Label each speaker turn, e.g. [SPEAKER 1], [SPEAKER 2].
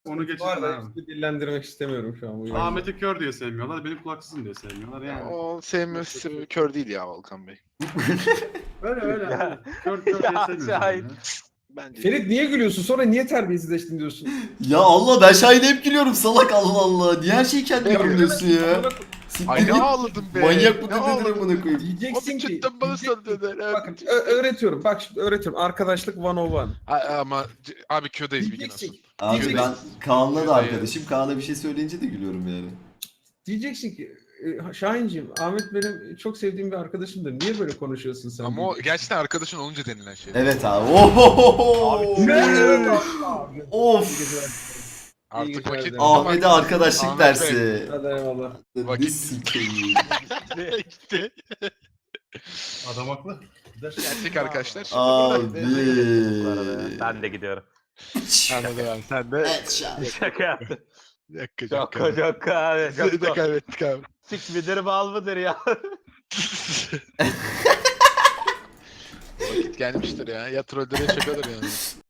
[SPEAKER 1] Onu geçin
[SPEAKER 2] Var da
[SPEAKER 1] abi.
[SPEAKER 2] hiç dillendirmek istemiyorum şu an bu yayını.
[SPEAKER 1] Ahmet'i kör diye sevmiyorlar, beni kulaksızım diye sevmiyorlar yani.
[SPEAKER 3] O sevmiyorsa kör değil ya Volkan Bey.
[SPEAKER 1] Öyle öyle.
[SPEAKER 4] Ya.
[SPEAKER 1] öyle. Kör diye
[SPEAKER 4] Ya,
[SPEAKER 1] sevmiyoruz
[SPEAKER 4] Şahin.
[SPEAKER 1] yani.
[SPEAKER 3] Bence
[SPEAKER 2] Ferit niye gülüyorsun? Sonra niye terbiyesizleştin diyorsun?
[SPEAKER 5] Ya Allah ben Şahin'e hep gülüyorum salak Allah Allah. Niye her şeyi kendine
[SPEAKER 3] Ya,
[SPEAKER 5] gülüyorsun ya? Siktir
[SPEAKER 3] Ay ne
[SPEAKER 5] git.
[SPEAKER 3] ağladım be.
[SPEAKER 5] Manyak mı
[SPEAKER 3] ne
[SPEAKER 5] dedin
[SPEAKER 3] ağladım
[SPEAKER 5] amına koyayım.
[SPEAKER 2] Diyeceksin
[SPEAKER 3] Abi
[SPEAKER 2] ki...
[SPEAKER 3] cidden bana söylediler.
[SPEAKER 2] Bakın öğretiyorum. Bak şimdi öğretiyorum. Arkadaşlık 101.
[SPEAKER 3] Ama abi Q'dayız bir gün olsun.
[SPEAKER 2] Diyeceksin,
[SPEAKER 5] Abi
[SPEAKER 3] Diyeceksin.
[SPEAKER 5] ben Kaan'la da
[SPEAKER 3] Diyeceksin.
[SPEAKER 5] arkadaşım. Kaan'a bir şey söyleyince de gülüyorum yani.
[SPEAKER 2] diyeceksin ki Şahinciğim, Ahmet benim çok sevdiğim bir arkadaşımdır. Niye böyle konuşuyorsun sen?
[SPEAKER 3] Ama o gerçekten arkadaşın olunca denilen şey.
[SPEAKER 5] Evet abi. Ohohoho.
[SPEAKER 2] Ne? Evet abi.
[SPEAKER 5] Of.
[SPEAKER 3] Artık
[SPEAKER 2] İyi
[SPEAKER 3] vakit...
[SPEAKER 2] günler.
[SPEAKER 5] Ahmet'e arkadaşlık
[SPEAKER 3] Ahmet Bey.
[SPEAKER 5] dersi.
[SPEAKER 2] Hadi eyvallah.
[SPEAKER 5] Ne
[SPEAKER 3] Vakit-
[SPEAKER 5] sikeyim.
[SPEAKER 3] Gitti.
[SPEAKER 1] Adam haklı. Gider.
[SPEAKER 3] Gerçek arkadaşlar.
[SPEAKER 5] Abi.
[SPEAKER 4] Ben de gidiyorum.
[SPEAKER 3] Anladım abi sen de.
[SPEAKER 4] Şaka yaptım.
[SPEAKER 3] Dakika
[SPEAKER 4] Şaka şaka abi.
[SPEAKER 3] Seni de
[SPEAKER 4] Şaka.
[SPEAKER 3] kaybettik abi.
[SPEAKER 4] Sik midir bal mıdır ya?
[SPEAKER 3] Vakit gelmiştir ya. Ya trollere şakadır yani.